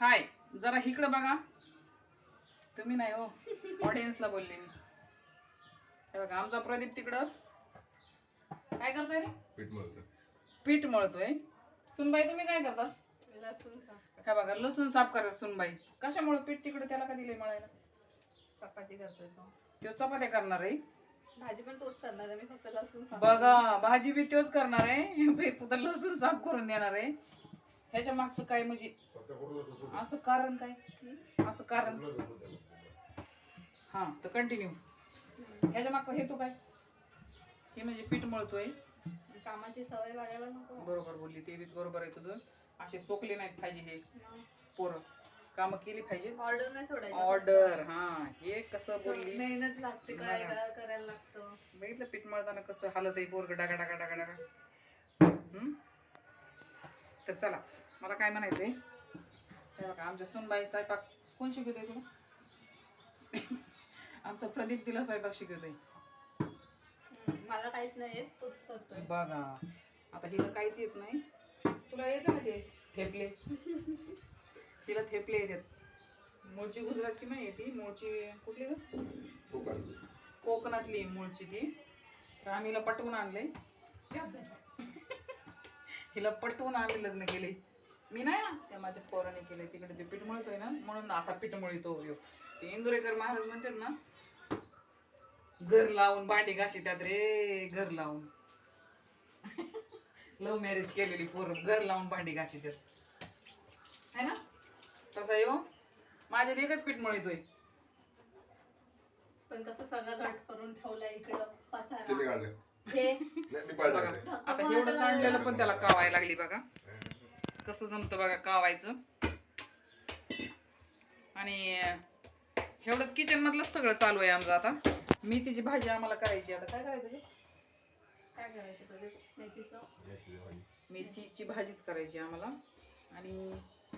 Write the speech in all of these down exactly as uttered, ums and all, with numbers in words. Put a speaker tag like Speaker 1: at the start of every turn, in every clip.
Speaker 1: हाय जरा इकडं बघा. तुम्ही नाही हो, ऑडियन्सला बोलले मी. हे बघा आमचा प्रदीप तिकडं काय करतोय रे?
Speaker 2: पीठ मळतोय.
Speaker 1: पीठ मळतोय. सुनबाई तुम्ही काय करता?
Speaker 3: लसूण साफ
Speaker 1: हे बघा लसूण साफ करा सुनबाई. कशामुळे पीठ तिकडे त्याला का दिले मळायला?
Speaker 3: चपाती करतोय तो.
Speaker 1: तो चपात्या करणार आहे.
Speaker 3: भाजी पण तोच करणार आहे, मी फक्त लसूण साफ
Speaker 1: बघा भाजी बी तोच करणार आहे, फक्त लसूण साफ करून देणार आहे. ह्याच्या मागचं काय म्हणजे असं कारण काय? असं कारण हा तर कंटिन्यू. ह्याच्या मागचा हेतू काय? हे म्हणजे पीठ मळतोय.
Speaker 3: कामाची सवय लागायला नको.
Speaker 1: बरोबर बोलली, ते बी बरोबर आहे तुझं. असे सोकले नाहीत पाहिजे हे पोरं, काम केली पाहिजे.
Speaker 3: ऑर्डर नाही सोडायची.
Speaker 1: ऑर्डर हा हे कसं बोलली.
Speaker 3: मेहनत लागते, काय करायला लागतं.
Speaker 1: बघितलं पीठ मळताना कसं हालत आहे पोरग डागा डागा डागा डागा. हम्म तर चला मला काय म्हणायचंय. हे बघा आमच्या सुनबाई स्वयंपाक कोण शिकवतोय तुला? आमचा प्रदीप तिला स्वयंपाक शिकवतोय.
Speaker 3: मला काहीच नाही येत, तोच करतोय.
Speaker 1: बघा आता हिला काहीच येत नाही. तुला येतं ना ते थेपले? तिला थेपले येतात. मूळची गुजरातची नाही ती, मूळची कुठली ग? कोकणातली मूळची ती. तर आम्ही हिला पटवून आणले. हिला पटवून आम्ही लग्न केले. मी नाही ना, त्या माझ्या पोराने केले. तिकडे ते पीठ मळतोय ना म्हणून असा पीठ मळतो. ते इंदुरेकर महाराज म्हणतात ना, घर लावून भांडी घाशी त्यात रे, घर लावून. लव्ह मॅरेज केलेली पोरं घर लावून भांडी घाशी त्यात है ना. तसा येऊ माझ्या एकच पीठ मळतोय.
Speaker 3: पण कसं सगळं घट करून ठेवलंय इकडं पसारा.
Speaker 2: किती काढले?
Speaker 3: हे
Speaker 2: नाही मी पाहिलं नाही.
Speaker 1: आता एवढं सांडलेलं पण त्याला कावायला लागली बघा. कसं जमतं बघा कावायचं. आणि एवढंच किचन मधलं सगळं चालू आहे आमचं. आता मेथीची भाजी आम्हाला करायची. आता काय करायचं?
Speaker 3: काय करायचं तुझे? मेथीचं
Speaker 1: मेथीची भाजीच करायची आम्हाला. आणि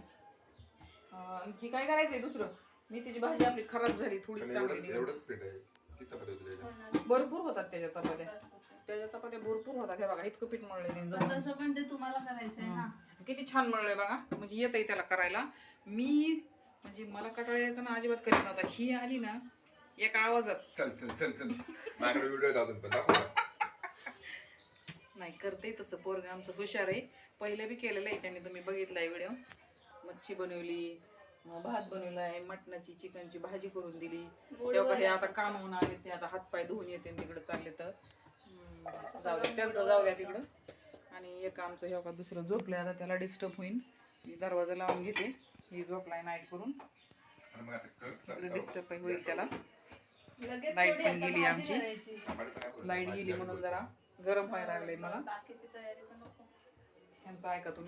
Speaker 1: आणखी काय करायचंय दुसरं? मेथीची भाजी आपली खराब झाली थोडी चांगली.
Speaker 2: एवढंच पीठ आहे. किती चपात्या होतील त्याच्यात?
Speaker 1: भरपूर होतात त्याच्या चपात्या. त्याच्या चपात्या भरपूर होतात. हे बघा इतकं पीठ मळलंय.
Speaker 3: तसं पण ते तुम्हाला करायचंय ना.
Speaker 1: किती छान मळलंय बघा. म्हणजे येत आहे त्याला करायला. मी म्हणजे मला कटाळा यायचा ना अजिबात करीत नव्हता. ही आली ना एका आवाजात
Speaker 2: चल चल चल चल माझ्याकडे व्हिडिओ दाखवून पण दाखव ना.
Speaker 1: नाही करते तसं पोरग आमचं हुशार आहे. पहिलं बी केलेलं आहे त्यांनी, तुम्ही बघितलाय व्हिडिओ. मच्छी बनवली, भात बनवलाय, मटणाची चिकनची भाजी करून दिली. तेव्हा हे आता कामावून आले ते आता हातपाय धुवून येते तिकडे चालले तर जाऊ द्या त्यांचं जाऊ द्या तिकडं. आणि एक आमचं हे का दुसरं झोपलंय. आता त्याला डिस्टर्ब होईल. मी दरवाजा लावून घेते. ही झोपलाय नाईट करून. डिस्टर्ब होईल त्याला. लाईट पण गेली आमची. लाईट गेली म्हणून जरा गरम व्हायला लागलंय मला.
Speaker 3: बाकीची तयारी पण नको.
Speaker 1: ह्यांचं ऐका तुम्ही.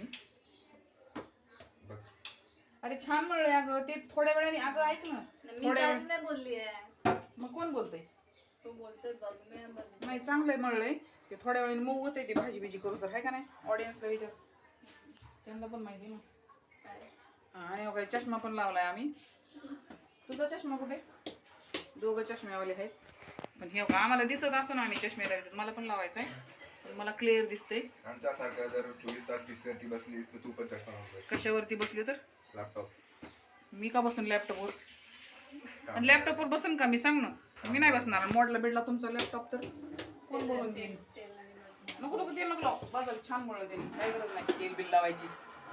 Speaker 1: अरे छान मळलंय अगं. ते थोड्या वेळाने अगं ऐक ना.
Speaker 3: मी काहीच नाही बोलली आहे.
Speaker 1: मग कोण बोलतंय?
Speaker 3: तू बोलतोय बघ, मी नाही बोलली.
Speaker 1: नाही चांगलंय मळलंय. ते थोड्या वेळाने मऊ होते ती भाजी बिजी करू तर, आहे का नाही? ऑडियन्सला विचार, त्यांना पण माहिती ना. आणि काही चष्मा पण लावलाय आम्ही. तुझा चष्मा कुठे? दोघं चष्म्यावाले आहेत. पण हे आम्हाला दिसत असतो ना आम्ही चष्मे लावले. मला पण लावायचं आहे. मला क्लिअर दिसतंय.
Speaker 2: आमच्यासारखं जर चोवीस तास बिस्किटी बसलीस तर तू पण चष्मा लावतोय.
Speaker 1: कशावरती बसले तर?
Speaker 2: लॅपटॉप.
Speaker 1: मी का बसून लॅपटॉपवर? आणि लॅपटॉपवर बसून का मी? सांग ना. मी नाही बसणार. मोडला बिडला तुमचा लॅपटॉप तर कोण बोलून देईन? नको नको तेल नको लाव. बाजार छान मळलं त्याने. काही गरज नाही तेल बिल लावायची.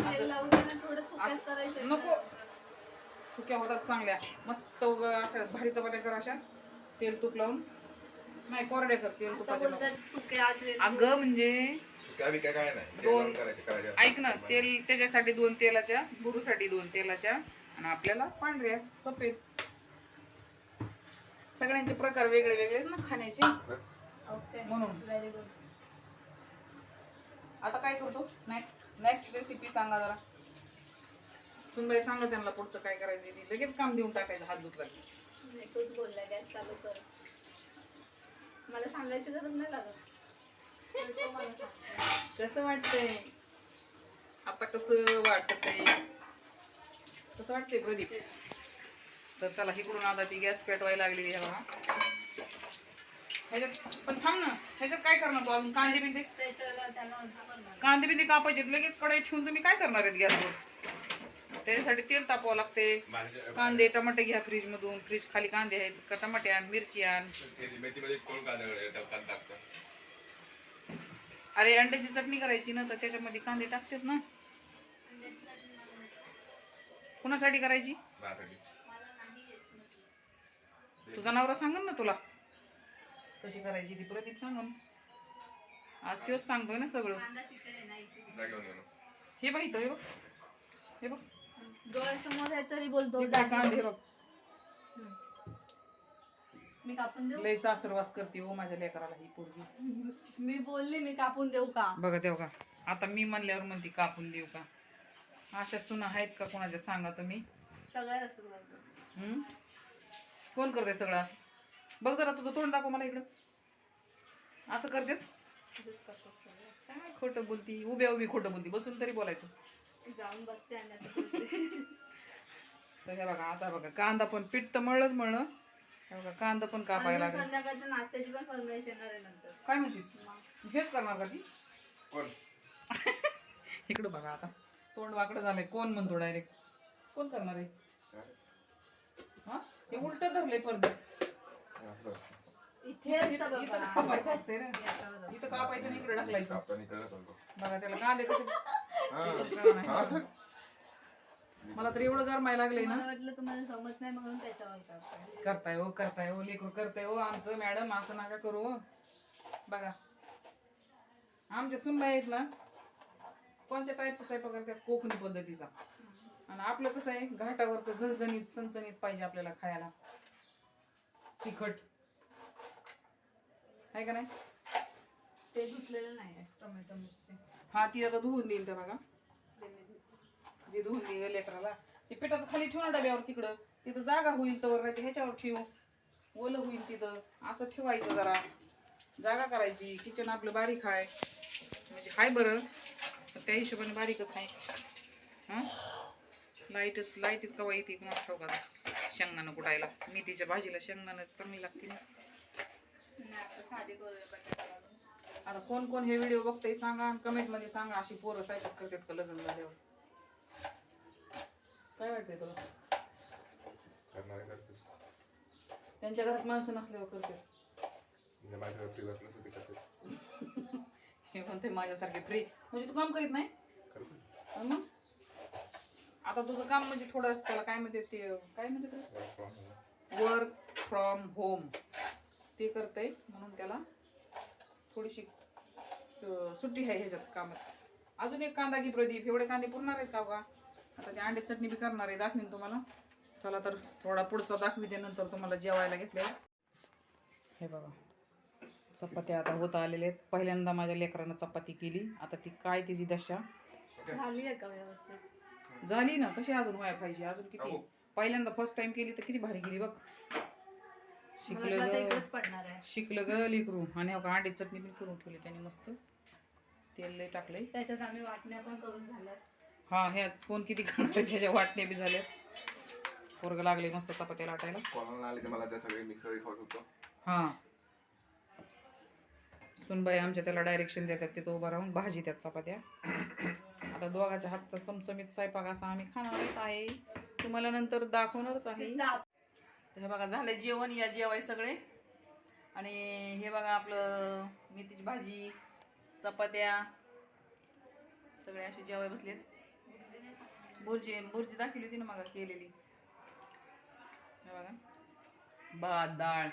Speaker 1: नको सुक्या होतात चांगल्या मस्त. उगा अशा भारी चपात्या कर अशा तेल तूप लावून. नाही कोरड्या कर तेल तुपाच्या. अगं म्हणजे दोन ऐक ना, तेल त्याच्यासाठी दोन तेलाच्या, बुरूसाठी दोन तेलाच्या, आणि आपल्याला पांढऱ्या सफेद. सगळ्यांचे प्रकार वेगळे वेगळे ना खाण्याचे म्हणून. आता काय करतो नेक्स्ट? नेक्स्ट रेसिपी सांगा जरा. सुनबाई सांगा त्यांना पुढचं काय करायचं. लगेच काम देऊन टाकायचं हात धुतला की.
Speaker 3: तूच बोलला गॅस चालू कर. मला सांगायची गरज नाही लागत.
Speaker 1: कसं वाटतंय आता? कसं वाटतंय? कसं वाटतंय प्रदीप? तर चला इकडून आता ती गॅस पेटवायला लागली आहे बघा. ह्याच्यात पण थांब ना. ह्याच्यात काय करणार तू अजून? कांदे बिंदे कांदे बिंदे कापायचे लगेच कढई ठेवून तुम्ही काय करणार आहेत गॅसवर? त्याच्यासाठी तेल तापवावं लागते. कांदे टमाटे घ्या फ्रीज मधून, फ्रीज खाली कांदे आहेत का, टमाटे आण, मिरची आण.
Speaker 2: मेथीमध्ये कोण कांदा टाकतं?
Speaker 1: अरे अंड्याची चटणी करायची ना, तर त्याच्यामध्ये कांदे टाकतात ना. कुणासाठी करायची?
Speaker 2: माझ्यासाठी.
Speaker 1: तुझा नवरा सांगन ना तुला कशी करायची ती. प्रदीप सांगन. आज तोच सांगतोय ना सगळं.
Speaker 2: जा घेऊन ये ना.
Speaker 1: हे बघ इथं, हे बघ, हे बघ,
Speaker 3: डोळ्यासमोर आहे तरी बोलतो
Speaker 1: हे काय कांदे, हे बघ.
Speaker 3: मी कापून देऊ?
Speaker 1: लय सासरवास करते हो माझ्या लेकराला ही पोरगी.
Speaker 3: मी बोलली मी कापून देऊ का?
Speaker 1: बघा देऊ का, आता मी म्हणल्यावर म्हणते कापून देऊ का. अशा सुना आहेत का कोणाच्या, सांगा तुम्ही.
Speaker 3: सगळ्यात असं करतो.
Speaker 1: हम्म? कोण करते सगळं असं? बघ जरा तुझं तोंड दाखव मला इकडं. असं करतेच.
Speaker 3: तसंच करतो सगळं.
Speaker 1: काय खोटं बोलती, उभ्या उभी खोटं बोलती, बसून तरी बोलायचं.
Speaker 3: जाऊन बसते आणि असं बोलते.
Speaker 1: तर हे बघा, आता बघा कांदा पण पीठ तर मळलंच मळलं. हे बघा कांदा पण कापायला
Speaker 3: आणि
Speaker 1: लागला.
Speaker 3: संध्याकाळच्या नाश्त्याची पण फरमाईश येणार आहे नंतर.
Speaker 1: काय म्हणतीस? हेच करणार का ती?
Speaker 2: कोण?
Speaker 1: इकडं बघा आता तोंड वाकडं झालंय. कोण म्हणतो डायरेक्ट? कोण करणार आहे? हा, हे उलट धरलंय पडदा.
Speaker 2: असं.
Speaker 3: इथे असतं
Speaker 1: इथं
Speaker 3: बाबा.
Speaker 1: कापायचं असते ना,
Speaker 3: याच्यावर असतं.
Speaker 1: इथं कापायचं आणि इकडे ढकलायचं.
Speaker 2: कापताना इकडे चालतो.
Speaker 1: बघा त्याला कांदे कसे.
Speaker 2: हा. हा.
Speaker 1: मला तर एवढं गरमायला लागलंय ना.
Speaker 3: मला वाटलं तुम्हाला समज नाही म्हणून त्याच्यावर करताय.
Speaker 1: करताय हो, करताय हो, लेकरू करताय हो आमचं. मॅडम असं नका करू हो. बघा आमच्या सुनबाई आहेत ना, कोणत्या टाईपचा स्वयंपाक करतात, कोकणी पद्धतीचा. आणि आपलं कसं आहे, घाटावरचं झणझणीत चणचणीत पाहिजे आपल्याला खायला, तिखट आहे का नाही.
Speaker 3: ते धुतलेलं नाही आहे टोमॅटो मिरची.
Speaker 1: हा ती आता धुवून देईन त्या बघा.
Speaker 3: ते मी धुते.
Speaker 1: जे धुवून देईल लेकराला. ते पिठाचं खाली ठेवू ना डब्यावर, तिकडं तिथं जागा होईल तर नाही ह्याच्यावर ठेवू, ओलं होईल तिथं. असं ठेवायचं, जरा जागा करायची. किचन आपलं बारीक आहे म्हणजे हाय बरं, त्या हिशोबाने बारीकच आहे. हां लाईटच लाईटच कवा येते कुणा ठाऊ का. शेंगदाणं कुटायला मेथीच्या भाजीला शेंगदाणं चांगली लागते ना.
Speaker 3: नाही आता साधी करूया बटाटा घालून.
Speaker 1: आता कोण कोण हे व्हिडिओ बघतंय सांगा, आणि कमेंट मध्ये सांगा अशी पोरं स्वयंपाक करतात का लग्न झाल्यावर. काय वाटतंय तुला?
Speaker 2: करणारे करते.
Speaker 1: त्यांच्या घरात माणसं नसल्यावर करतात.
Speaker 2: म्हणजे माझ्या फ्री बसलं तर ते करते.
Speaker 1: हे म्हणते माझ्यासारखे फ्री म्हणजे तू काम करीत नाही.
Speaker 2: करते.
Speaker 1: अन मग आता तुझं काम म्हणजे थोडं त्याला काय म्हणते ते, काय म्हणते
Speaker 2: Work from home.
Speaker 1: Work from home ते करतंय, म्हणून त्याला थोडीशी सु- सुट्टी आहे ह्याच्यात कामात. अजून एक कांदा घे प्रदीप. एवढे कांदे पुरणार आहेत का का? आता ते अंडे चटणी बी करणार आहे, दाखवीन तुम्हाला. चला तर थोडा पुढचा दाखविते नंतर तुम्हाला जेवायला घेतले. हे बघा चपात्या आता होत आलेल्या आहेत. पहिल्यांदा माझ्या लेकरानं चपाती केली. आता ती काय तिची दशा
Speaker 3: झाली आहे का व्यवस्थित?
Speaker 1: झाली ना. कशी अजून व्हायला पाहिजे, अजून किती.
Speaker 2: अहो.
Speaker 1: पहिल्यांदा फर्स्ट टाइम केली तर किती भारी केली बघ. शिकलं
Speaker 3: मला वाटलं
Speaker 1: ग
Speaker 3: इकडेच पडणार आहे.
Speaker 1: शिकलं ग लेकरू. आणि हो का अंडी चटणी पण करून ठेवली त्याने मस्त. तेल लय टाकलंय.
Speaker 3: त्याच्यात आम्ही वाटण्या पण करून झाल्यात.
Speaker 1: हा ह्यात कोण किती खाणार आहे त्याच्या वाटणे बी झाले. पोरग लागले मस्त चपात्या लाटायला.
Speaker 2: कोणाला आले तर मला त्या सगळे मिक्सर खात होतो.
Speaker 1: हा सुनबाई आमच्या त्याला डायरेक्शन देतात, तिथं उभं राहून भाजी त्यात चपात्या. आता दोघाच्या हातचा चमचमीत स्वयंपाक असा आम्ही खाणारच आहे, तुम्हाला नंतर दाखवणारच आहे. तर हे बघा झालं जेवण. या जेवाय सगळे. आणि हे बघा आपलं मेथीची भाजी, चपात्या, सगळे असे जेवाय बसलेत. बुर्जी बुर्जी दाखवली होती ना मग केलेली. हे बघा भात डाळ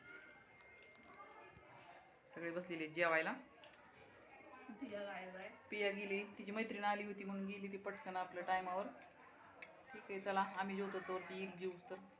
Speaker 1: सगळे बसलेले जेवायला.
Speaker 3: दिया गायब आहे.
Speaker 1: पिया गेली, तिची मैत्रीण आली होती म्हणून गेली ती पटकन आपल्या टायमावर. ठीक आहे चला आम्ही जेवतो तर ती येईल जेवूस तर.